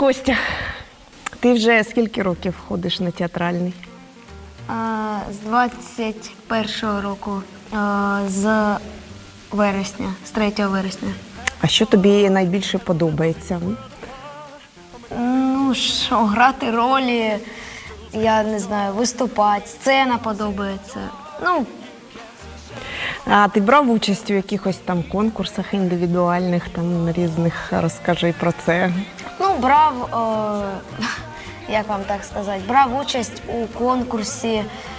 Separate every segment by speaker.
Speaker 1: Костя, ти вже скільки років ходиш на театральний?
Speaker 2: З 21-го року, з вересня, з 3 вересня.
Speaker 1: А що тобі найбільше подобається?
Speaker 2: Ну, що, грати ролі, я не знаю, виступати, сцена подобається. Ну,
Speaker 1: А ти брав участь у якихось там конкурсах індивідуальних, там різних, розкажи про це.
Speaker 2: ну брав, як вам так сказати, брав участь у конкурсі,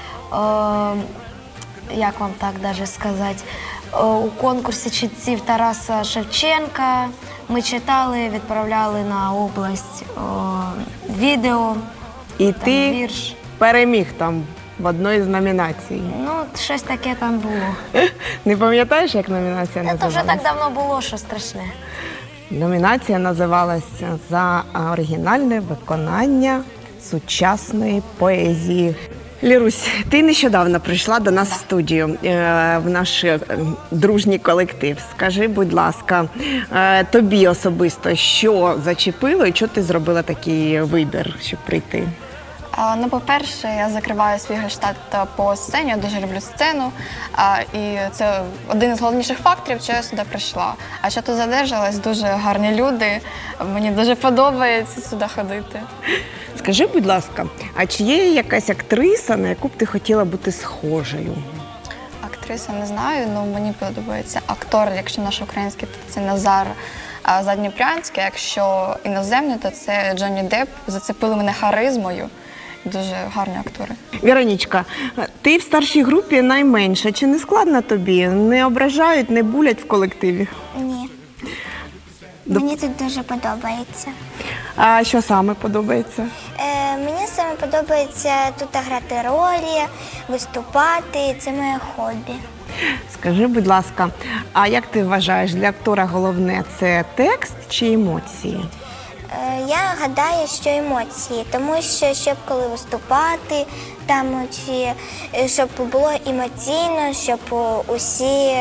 Speaker 2: як вам так даже сказати, у конкурсі читців Тараса Шевченка. Ми читали, відправляли на область відео,
Speaker 1: І
Speaker 2: там,
Speaker 1: ти
Speaker 2: вірш.
Speaker 1: переміг там в одній з номінацій.
Speaker 2: Ну, щось таке там було.
Speaker 1: Не пам'ятаєш, як номінація
Speaker 2: Це вже
Speaker 1: називалась?
Speaker 2: так давно було, що страшне.
Speaker 1: Номінація називалася «За оригінальне виконання сучасної поезії». Лірусь, ти нещодавно прийшла до нас в студію, в наш дружній колектив. Скажи, будь ласка, тобі особисто, що зачепило і чого ти зробила такий вибір, щоб прийти?
Speaker 3: Ну, по-перше, я закриваю свій гештальт по сцені, я дуже люблю сцену. І це один із головніших факторів, що я сюди прийшла. А що тут задержалась, дуже гарні люди, мені дуже подобається сюди ходити.
Speaker 1: Скажи, будь ласка, а чи є якась актриса, на яку б ти хотіла бути схожою?
Speaker 3: Актриса не знаю, але мені подобається актор, якщо наш український, то це Назар Задніпрянський, якщо іноземний, то це Джонні Депп. Зацепили мене харизмою. Дуже гарні актори.
Speaker 1: Віронічка, ти в старшій групі найменша. Чи не складно тобі? Не ображають, не булять в колективі?
Speaker 4: Ні. Мені тут дуже подобається.
Speaker 1: А що саме подобається?
Speaker 4: Мені саме подобається тут грати ролі, виступати. Це моє хобі.
Speaker 1: Скажи, будь ласка, а як ти вважаєш, для актора головне – це текст чи емоції?
Speaker 4: Я гадаю, що емоції, тому що щоб коли виступати, там чи щоб було емоційно, щоб усі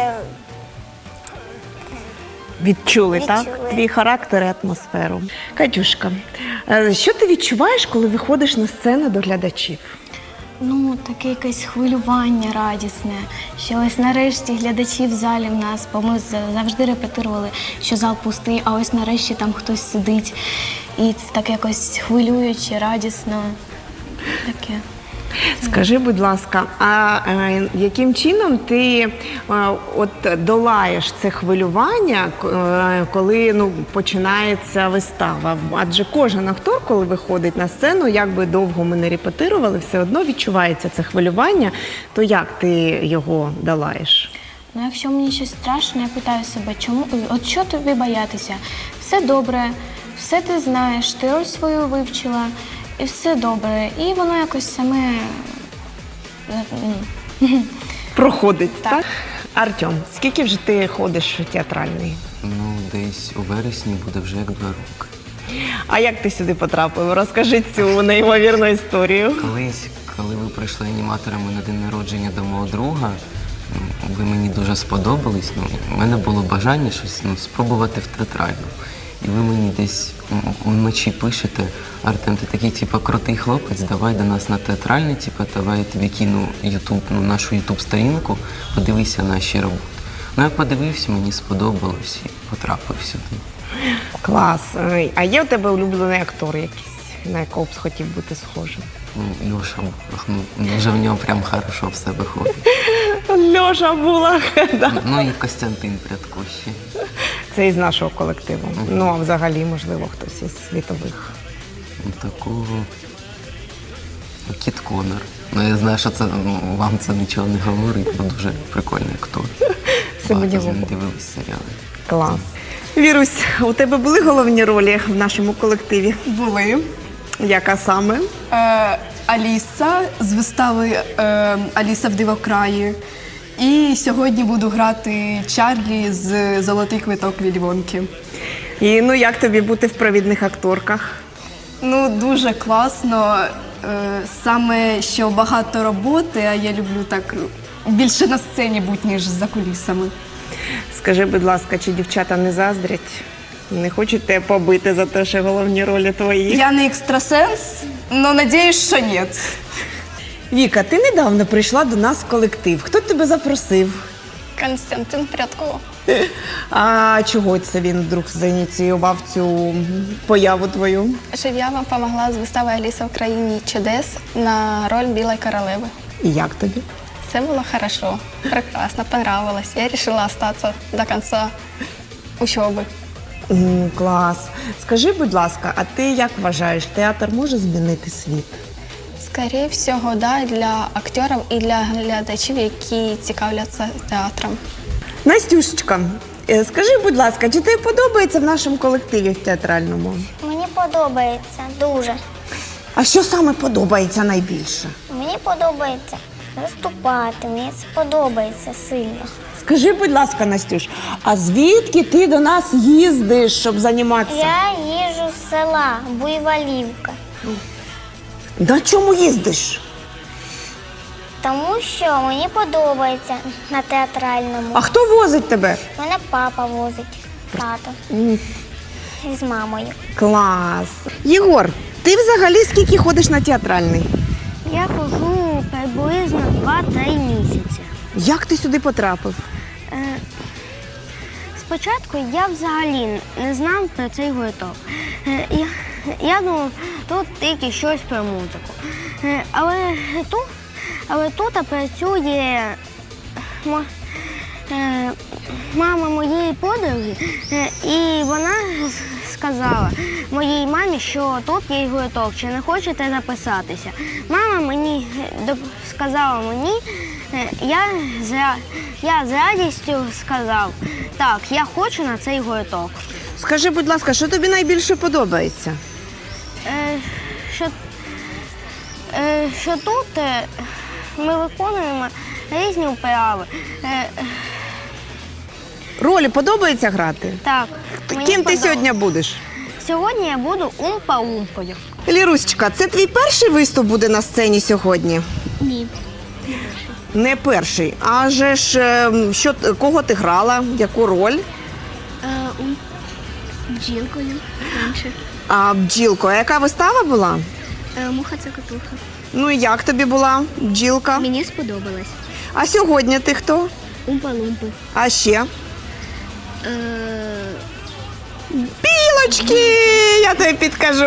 Speaker 1: Відчули, так?
Speaker 4: Відчули.
Speaker 1: Твій характер і атмосферу. Катюшка, що ти відчуваєш, коли виходиш на сцену до глядачів?
Speaker 5: Ну, таке якесь хвилювання радісне, що ось нарешті глядачі в залі в нас, бо ми завжди репетирували, що зал пустий, а ось нарешті там хтось сидить. І це так якось хвилююче, радісно. Таке.
Speaker 1: Скажи, будь ласка, а яким чином ти от долаєш це хвилювання, коли починається вистава? Адже кожен актор, коли виходить на сцену, як би довго ми не репетирували, все одно відчувається це хвилювання, то як ти його долаєш?
Speaker 5: Ну, якщо мені щось страшно, я питаю себе, от що тобі боятися? Все добре, все ти знаєш, ти роль свою вивчила, і все добре. І воно якось саме...
Speaker 1: Проходить, так? Артем, скільки вже ти ходиш в театральний?
Speaker 6: Ну, десь у вересні буде вже як 2 роки.
Speaker 1: А як ти сюди потрапив? Розкажи цю неймовірну історію.
Speaker 6: Колись, коли ви прийшли аніматорами на день народження до мого друга, ви мені дуже сподобались. У мене було бажання щось спробувати в театральну. І ви мені десь вночі пишете: Артем, ти такий, крутий хлопець, давай до нас на театральний, давай я тобі кину нашу ютуб-сторінку, подивися наші роботи. Ну, я подивився, мені сподобалось і потрапив сюди.
Speaker 1: Клас. А є у тебе улюблений актор якийсь, на якого б хотів бути схожим?
Speaker 6: Льоша, вже в нього прям хорошо все виходить.
Speaker 1: Льоша Булах. Да.
Speaker 6: Ну і Костянтин Прядкущий.
Speaker 1: Це із нашого колективу. Ну, а взагалі, можливо, хтось із світових.
Speaker 6: Такого Кіт Коннор. Ну, я знаю, що вам це нічого не говорить, бо дуже прикольний актор. Багато з ним дивились серіали.
Speaker 1: Клас. Вірусь, у тебе були головні ролі в нашому колективі?
Speaker 7: Були.
Speaker 1: Яка саме?
Speaker 7: Аліса з вистави «Аліса в дивокраї». І сьогодні буду грати Чарлі з «Золотий квиток Віллі Вонки».
Speaker 1: І як тобі бути в провідних акторках?
Speaker 7: Ну, дуже класно. Саме, що багато роботи, а я люблю так більше на сцені бути, ніж за кулісами.
Speaker 1: Скажи, будь ласка, чи дівчата не заздрять? Не хочуть тебе побити за те, що головні ролі твої.
Speaker 7: Я не екстрасенс, але надіюсь, що ні.
Speaker 1: Віка, ти недавно прийшла до нас в колектив. Хто тебе запросив?
Speaker 3: Константин Прядко.
Speaker 1: А чого це він вдруг заініціював цю появу твою?
Speaker 3: Щоб я вам допомогла з вистави Аліса в країні чудес на роль Білої королеви.
Speaker 1: І як тобі?
Speaker 3: Все было хорошо, прекрасно, понравилось. Я решила остаться до конца учебы.
Speaker 1: Клас. Скажи, будь ласка, а ти як вважаєш, театр може змінити світ?
Speaker 3: Скорее всього, да, для акторів і для глядачів, які цікавляться театром.
Speaker 1: Настюшечка, скажи, будь ласка, чи тобі подобається в нашому колективі в театральному?
Speaker 4: Мені подобається дуже.
Speaker 1: А що саме подобається найбільше?
Speaker 4: Мені подобається виступати, мені це подобається сильно.
Speaker 1: Скажи, будь ласка, Настюш, а звідки ти до нас їздиш, щоб займатися?
Speaker 4: Я їжджу з села Буйволівка,
Speaker 1: На чому їздиш?
Speaker 4: тому що мені подобається на театральному.
Speaker 1: А хто возить тебе?
Speaker 4: Мене папа возить, тато з мамою.
Speaker 1: Клас. Єгор, ти взагалі скільки ходиш на театральний?
Speaker 2: Я хожу приблизно 2-3 місяці.
Speaker 1: Як ти сюди потрапив?
Speaker 2: Спочатку я взагалі не знав про цей гурток. Я думав, тут тільки щось про музику. Але тут працює мама моєї подруги, і вона сказала моїй мамі, що тут є гурток, чи не хочете записатися. Мама мені сказала мені, я з радістю сказав, так, я хочу на цей гурток.
Speaker 1: Скажи, будь ласка, що тобі найбільше подобається?
Speaker 2: Що тут ми виконуємо різні вправи.
Speaker 1: Ролі подобається грати?
Speaker 2: Так, мені
Speaker 1: Ким ти
Speaker 2: подобається.
Speaker 1: сьогодні будеш?
Speaker 2: Сьогодні я буду умпа-умпою.
Speaker 1: Лірусечка, це твій перший виступ буде на сцені сьогодні?
Speaker 5: Ні.
Speaker 1: Не перший. А же ж, кого ти грала? Яку роль?
Speaker 5: Бджілкою раніше.
Speaker 1: А бджілко, а яка вистава була?
Speaker 5: Муха це котуха.
Speaker 1: Ну і як тобі була бджілка?
Speaker 5: Мені сподобалось.
Speaker 1: А сьогодні ти хто?
Speaker 5: Умпа-лумпи.
Speaker 1: А ще? Білочки! Я тобі підкажу.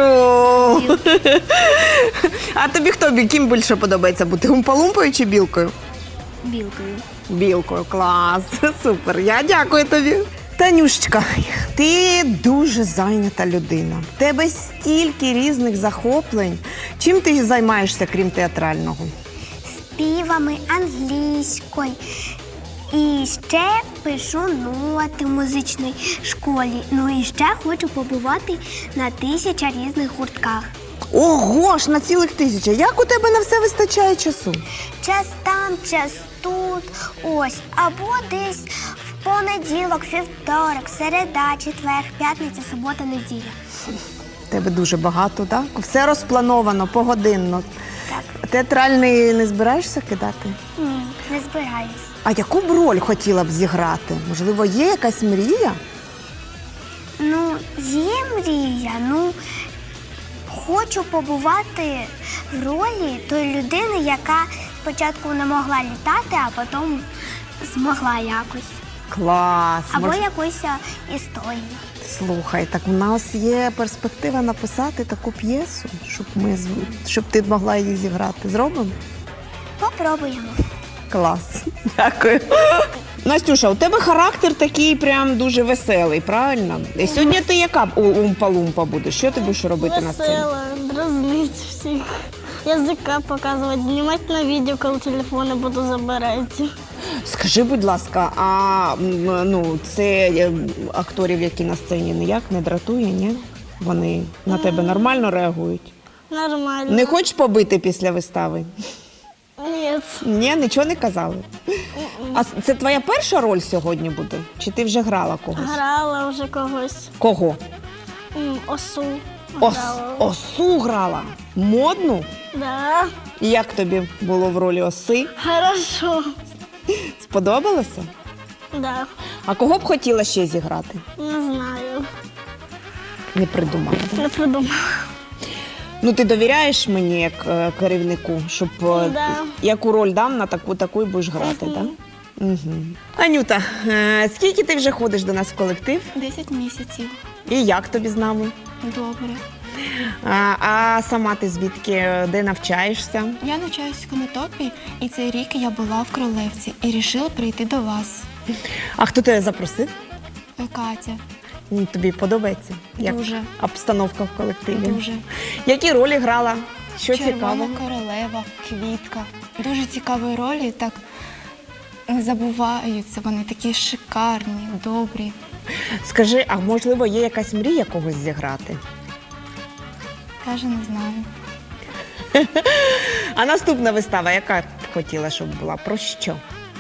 Speaker 1: А тобі хто? Ким більше подобається бути? Умпа-лумпою чи білкою?
Speaker 5: Білкою.
Speaker 1: Білкою, клас, супер. Я дякую тобі. Танюшечка, ти дуже зайнята людина. В тебе стільки різних захоплень. Чим ти займаєшся, крім театрального?
Speaker 4: Співами англійською. І ще пишу ноти в музичній школі. Ну і ще хочу побувати на 1000 різних гуртках.
Speaker 1: Ого ж, на цілих 1000. Як у тебе на все вистачає часу?
Speaker 4: Час там, час тут, ось. Або десь в понеділок, вівторок, середа, четвер, п'ятниця, субота, неділя.
Speaker 1: В тебе дуже багато, так? Все розплановано, погодинно.
Speaker 4: Так.
Speaker 1: Театральний не збираєшся кидати?
Speaker 4: Ні, не збираюсь.
Speaker 1: А яку б роль хотіла б зіграти? Можливо, є якась мрія?
Speaker 4: Ну, є мрія, хочу побувати в ролі тої людини, яка спочатку не могла літати, а потім змогла якось.
Speaker 1: Клас!
Speaker 4: Або якусь історію.
Speaker 1: Слухай, так у нас є перспектива написати таку п'єсу, щоб ти могла її зіграти. Зробимо?
Speaker 4: Попробуємо.
Speaker 1: Клас. Дякую. Настюша, у тебе характер такий прям дуже веселий, правильно? І сьогодні ти яка умпа-лумпа будеш? Що ти будеш робити на сцені?
Speaker 8: Весело, дразнить всіх. Язика показувати, знімати на відео, коли телефони буду забирати.
Speaker 1: Скажи, будь ласка, а це акторів, які на сцені, ніяк не дратує, ні? Вони на тебе нормально реагують?
Speaker 8: Нормально.
Speaker 1: Не хочеш побити після вистави?
Speaker 8: Ні.
Speaker 1: Ні, нічого не казали. А це твоя перша роль сьогодні буде? Чи ти вже грала когось?
Speaker 8: Грала вже когось.
Speaker 1: Кого?
Speaker 8: Осу. Грала.
Speaker 1: Осу грала? Модну?
Speaker 8: Да.
Speaker 1: І як тобі було в ролі оси?
Speaker 8: Хорошо.
Speaker 1: Сподобалося?
Speaker 8: Да.
Speaker 1: А кого б хотіла ще зіграти?
Speaker 8: Не знаю.
Speaker 1: Не придумала.
Speaker 8: Не придумала.
Speaker 1: Ну, ти довіряєш мені як керівнику, щоб
Speaker 8: Да.
Speaker 1: яку роль дам, на таку і будеш грати, так? Угу. Анюта, скільки ти вже ходиш до нас в колектив?
Speaker 5: 10 місяців.
Speaker 1: І як тобі з нами?
Speaker 5: Добре.
Speaker 1: А сама ти звідки, де навчаєшся?
Speaker 5: Я навчаюсь в Конотопі, і цей рік я була в Кролевці і вирішила прийти до вас.
Speaker 1: А хто тебе запросив?
Speaker 5: Катя,
Speaker 1: Тобі подобається? Як
Speaker 5: Дуже.
Speaker 1: обстановка в колективі?
Speaker 5: дуже.
Speaker 1: Які ролі грала? Що
Speaker 5: Червона
Speaker 1: цікаво?
Speaker 5: королева, квітка. Дуже цікаві ролі, так не забуваються. Вони такі шикарні, добрі.
Speaker 1: Скажи, а можливо є якась мрія когось зіграти?
Speaker 5: Каже, не знаю.
Speaker 1: А наступна вистава, яка б хотіла, щоб була? Про що?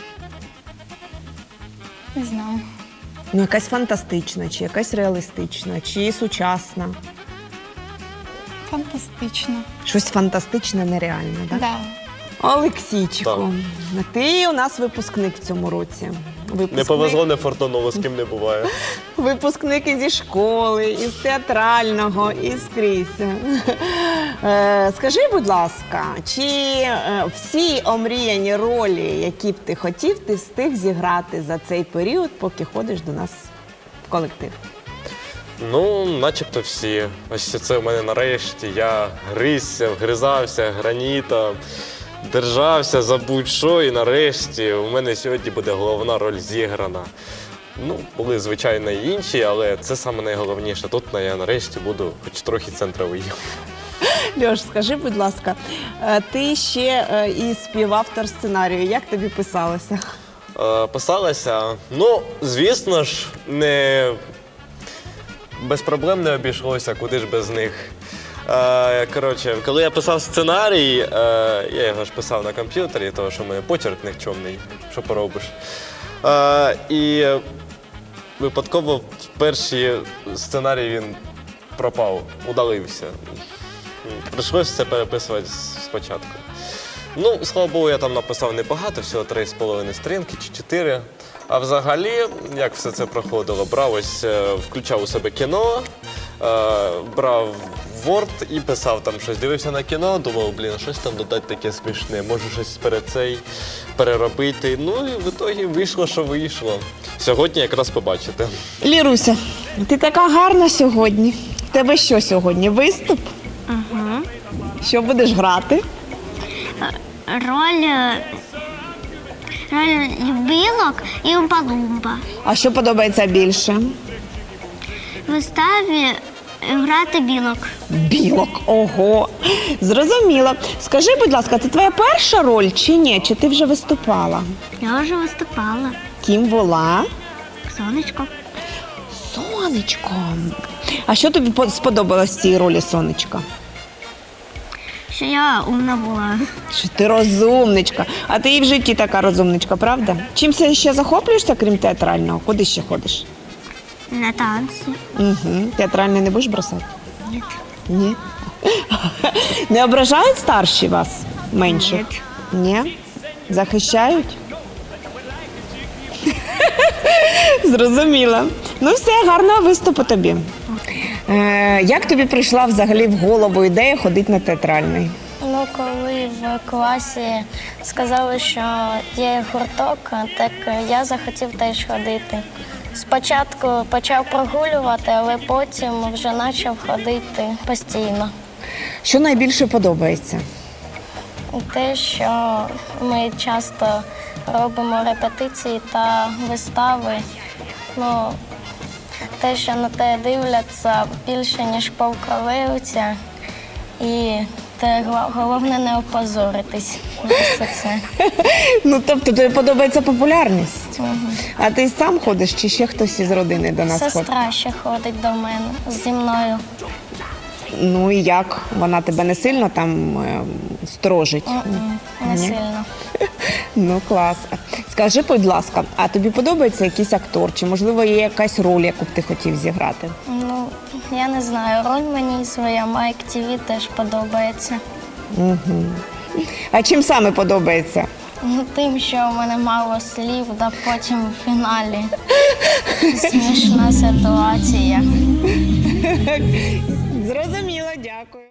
Speaker 5: Не знаю.
Speaker 1: Ну, якась фантастична, чи якась реалістична, чи сучасна.
Speaker 5: Фантастично.
Speaker 1: Щось фантастичне, нереальне, так?
Speaker 5: Да.
Speaker 1: Олексійчику, ти у нас випускник в цьому році.
Speaker 9: Не повезло, не фортануло, з ким не буває.
Speaker 1: Випускник і зі школи, із театрального, і скрізь. Скажи, будь ласка, чи всі омріяні ролі, які б ти хотів, ти встиг зіграти за цей період, поки ходиш до нас в колектив?
Speaker 9: Ну, начебто всі. Ось це в мене нарешті. Я гризся, вгризався гранітом, держався за будь-що, і нарешті у мене сьогодні буде головна роль зіграна. Ну, були, звичайно, і інші, але це саме найголовніше. Тут я нарешті буду хоч трохи центровий.
Speaker 1: Льош, скажи, будь ласка, ти ще і співавтор сценарію. Як тобі писалося?
Speaker 9: Писалася, ну, звісно ж, не без проблем не обійшлося, куди ж без них. Коротше, коли я писав сценарій, я його ж писав на комп'ютері, тому що в мене почерк нікчемний, що поробиш. І випадково в перший сценарій він пропав, удалився. Прийшлося це переписувати спочатку. Ну, слава Богу, я там написав небагато, всього 3,5 сторінки чи 4. А взагалі, як все це проходило, брав ось, включав у себе кіно, брав Word і писав там щось. Дивився на кіно, думав, щось там додати таке смішне, може щось переробити. Ну і в ітогі вийшло, що вийшло. Сьогодні якраз побачите.
Speaker 1: Ліруся, ти така гарна сьогодні. В тебе що сьогодні? Виступ?
Speaker 2: Ага.
Speaker 1: Що будеш грати?
Speaker 2: Роль білок і умпа-лумпа.
Speaker 1: А що подобається більше?
Speaker 2: В виставі грати білок.
Speaker 1: Білок, ого, зрозуміло. Скажи, будь ласка, це твоя перша роль чи ні? Чи ти вже виступала?
Speaker 2: Я вже виступала.
Speaker 1: Ким була?
Speaker 2: Сонечко.
Speaker 1: Сонечко. А що тобі сподобалось в цій ролі, Сонечко?
Speaker 2: Що я умна була.
Speaker 1: Що ти розумничка. А ти і в житті така розумничка, правда? Чим ще захоплюєшся, крім театрального? Куди ще ходиш?
Speaker 2: На танці.
Speaker 1: Угу. Театральний не будеш бросати?
Speaker 2: Ні.
Speaker 1: Ні. Не ображають старші вас менших? Ні. Захищають? Зрозуміла. Ну все, гарного виступу тобі. Як тобі прийшла взагалі в голову ідея ходити на театральний?
Speaker 10: Ну, коли в класі сказали, що є гурток, так я захотів теж ходити. Спочатку почав прогулювати, але потім вже почав ходити постійно.
Speaker 1: Що найбільше подобається?
Speaker 10: Те, що ми часто робимо репетиції та вистави, ну, те, що на те дивляться більше, ніж полковивця, і те головне не опозоритись на все це.
Speaker 1: Ну, тобто тобі подобається популярність? А ти сам ходиш чи ще хтось із родини до нас ходить?
Speaker 10: Сестра ще ходить до мене зі мною.
Speaker 1: Ну і як? Вона тебе не сильно там сторожить?
Speaker 10: Не
Speaker 1: Ні?
Speaker 10: сильно.
Speaker 1: Ну, клас. Скажи, будь ласка, а тобі подобається якийсь актор? Чи, можливо, є якась роль, яку б ти хотів зіграти?
Speaker 10: Ну, я не знаю, роль мені своя Майк ТВ теж подобається.
Speaker 1: А чим саме подобається?
Speaker 10: Ну, тим, що у мене мало слів, та потім в фіналі смішна ситуація.
Speaker 1: Зрозуміло, дякую.